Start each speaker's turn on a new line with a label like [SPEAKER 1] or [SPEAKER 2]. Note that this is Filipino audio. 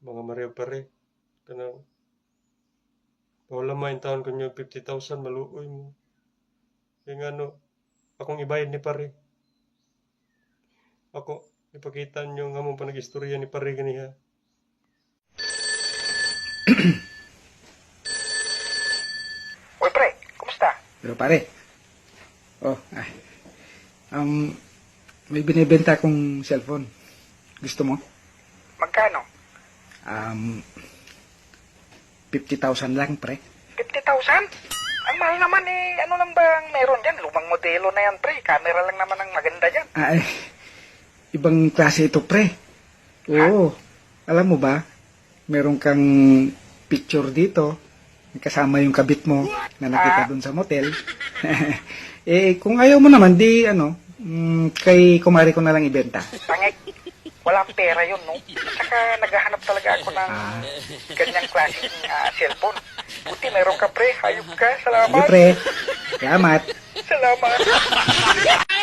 [SPEAKER 1] Mga Maria pare. Kanang wala main taon ko nyo 50,000 maluoy mo. Kaya nga no, akong ibayad ni pare. Ako, ipakita nyo nga mong panag-istorya ni pare ganiha.
[SPEAKER 2] Uy, pre, kumusta?
[SPEAKER 3] Pero pare, may binibenta akong cellphone. Gusto mo?
[SPEAKER 2] Magkano?
[SPEAKER 3] 50,000 lang, pre.
[SPEAKER 2] 50,000? Ang mahal naman eh. Ano lang bang meron dyan? Lumang modelo na yan, pre. Camera lang naman ang maganda dyan.
[SPEAKER 3] Ibang klase ito, pre. Oo. Alam mo ba, meron kang picture dito, kasama yung kabit mo na nakita dun sa motel. Kung ayaw mo naman, kay kumari ko na lang ibenta.
[SPEAKER 2] Tangik. Walang pera yun, no? Saka naghahanap talaga ako ng ganyang klaseng cellphone. Buti meron ka, pre. Hayop ka.
[SPEAKER 3] Sige,
[SPEAKER 2] Salamat.
[SPEAKER 3] pre. Salamat.
[SPEAKER 2] Salamat.